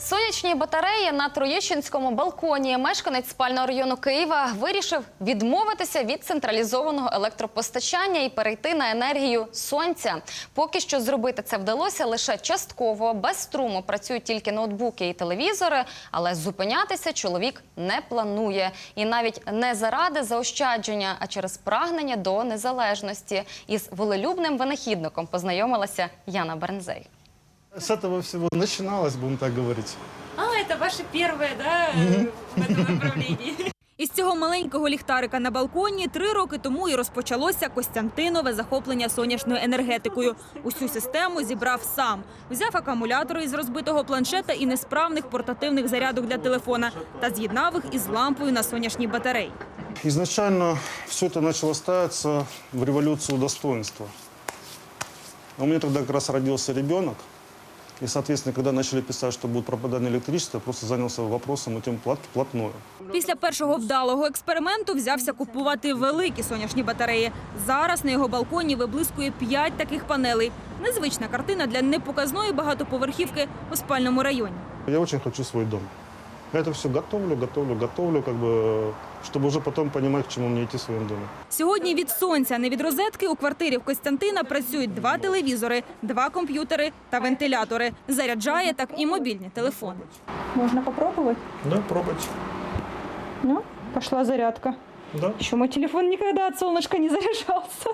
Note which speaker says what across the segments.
Speaker 1: Сонячні батареї на Троєщинському балконі. Мешканець спального району Києва вирішив відмовитися від централізованого електропостачання і перейти на енергію сонця. Поки що зробити це вдалося лише частково. Без струму працюють тільки ноутбуки і телевізори, але зупинятися чоловік не планує. І навіть не заради заощадження, а через прагнення до незалежності. Із волелюбним винахідником познайомилася Яна Бернзей.
Speaker 2: С этого всего начиналось, будем так говорить.
Speaker 3: Это ваше первое, да, в этом направлении?
Speaker 4: Із цього маленького ліхтарика на балконі 3 роки тому і розпочалося Костянтинове захоплення сонячною енергетикою. Усю систему зібрав сам. Взяв акумулятори із розбитого планшета і несправних портативних зарядок для телефона та з'єднав їх із лампою на сонячній батареї.
Speaker 2: Изначально все это начало ставиться в революцию достоинства. У меня тогда как раз родился ребенок. И, соответственно, когда начали писать, что будет пропадать электричество, я просто занялся вопросом этим вплотную.
Speaker 4: Після першого вдалого експерименту взявся купувати великі сонячні батареї. Зараз на його балконі виблискує 5 таких панелей. Незвична картина для непоказної багатоповерхівки у спальному районі.
Speaker 2: Я очень хочу свой дом. Я это все готовлю, чтобы уже потом понимать, к чему мне идти в своем доме.
Speaker 4: Сьогодні від сонця, не від розетки, у квартирі в Костянтина працюють 2 телевізори, 2 комп'ютери та вентилятори. Заряджає так і мобільні телефони.
Speaker 5: Можно попробовать?
Speaker 2: Да, пробуйте.
Speaker 5: Ну, пошла зарядка.
Speaker 2: Да.
Speaker 5: Еще мой телефон никогда от солнышка не заряжался.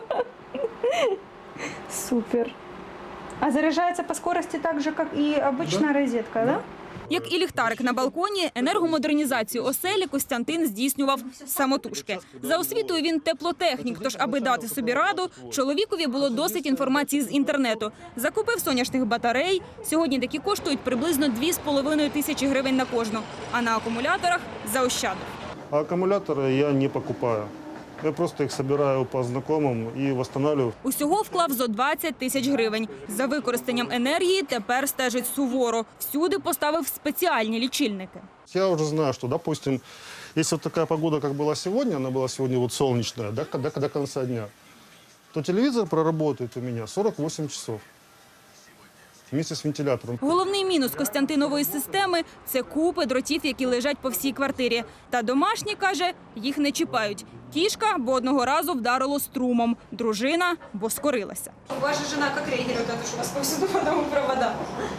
Speaker 5: Супер. А заряжается по скорости так же, как и обычная розетка, да?
Speaker 4: Як і ліхтарик на балконі, енергомодернізацію оселі Костянтин здійснював самотужки. За освітою він теплотехнік, тож аби дати собі раду, чоловікові було досить інформації з інтернету. Закупив сонячних батарей, сьогодні такі коштують приблизно 2,5 тисячі гривень на кожну, а на акумуляторах заощадив.
Speaker 2: А аккумуляторы я не покупаю. Я просто их собираю по знакомым и восстанавливаю.
Speaker 4: Усього вклав зо 20 тисяч гривень. За використанням енергії тепер стежить суворо. Всюди поставив спеціальні лічильники.
Speaker 2: Я уже знаю, что, допустим, если вот такая погода, как была сегодня, она была сегодня вот солнечная, до конца дня, то телевизор проработает у меня 48 часов вместе с вентилятором.
Speaker 4: Головний мінус Костянтинової системи – це купи дротів, які лежать по всій квартирі. Та домашні, каже, їх не чіпають. Кішка, бо одного разу вдарило струмом. Дружина, бо скорилася.
Speaker 3: Ваша жена как реагирует на то, что у вас повсюду по дому провода?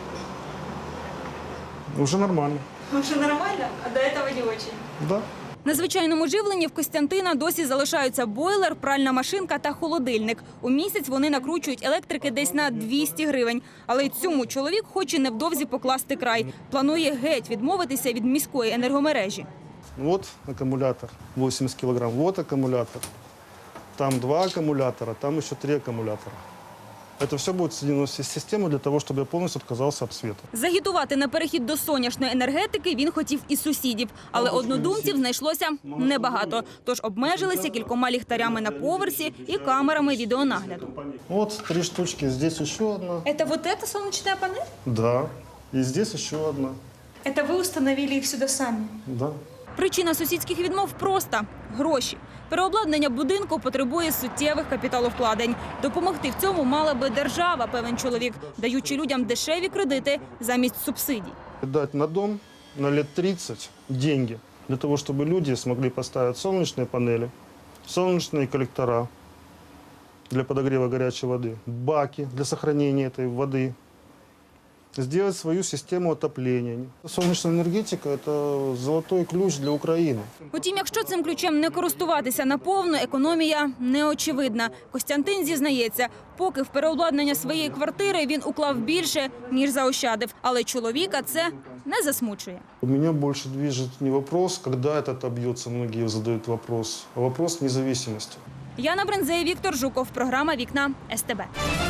Speaker 2: Уже нормально.
Speaker 3: Уже нормально, а до этого не очень.
Speaker 2: Да.
Speaker 4: На звичайному живленні в Костянтина досі залишаються бойлер, пральна машинка та холодильник. У місяць вони накручують електрики десь на 200 гривень. Але й цьому чоловік хоче невдовзі покласти край. Планує геть відмовитися від міської енергомережі.
Speaker 2: Вот аккумулятор, 80 килограмм. Вот аккумулятор. Там 2 аккумулятора, там еще 3 аккумулятора. Это все будет соединено в систему для того, чтобы я полностью отказался от света.
Speaker 4: Загітувати на перехід до сонячної енергетики він хотів і сусідів. Але однодумців знайшлося небагато. Тож обмежилися кількома ліхтарями на поверсі і камерами відеонагляду.
Speaker 2: Вот 3 штучки, здесь еще одна.
Speaker 3: Это вот эта солнечная панель?
Speaker 2: Да. И здесь еще одна.
Speaker 3: Это вы установили их сюда сами?
Speaker 2: Да.
Speaker 4: Причина сусідських відмов проста – гроші. Переобладнання будинку потребує суттєвих капіталовкладень. Допомогти в цьому мала би держава, певен чоловік, даючи людям дешеві кредити замість субсидій.
Speaker 2: Дать на дом на лет 30 деньги для того, чтобы люди смогли поставить солнечные панели, солнечные коллектора для подогрева горячей воды, баки для сохранения этой воды, сделать свою систему отопления. Солнечная энергетика – это золотой ключ для Украины.
Speaker 4: Утім, якщо цим ключем не користуватися наповну, економія неочевидна. Костянтин зізнається, поки в переобладнання своєї квартири він уклав більше, ніж заощадив. Але чоловіка це не засмучує.
Speaker 2: У меня больше движет не вопрос, когда это отобьется, многие задают вопрос, а вопрос независимости.
Speaker 4: Яна Бернзей, Віктор Жуков. Програма «Вікна СТБ».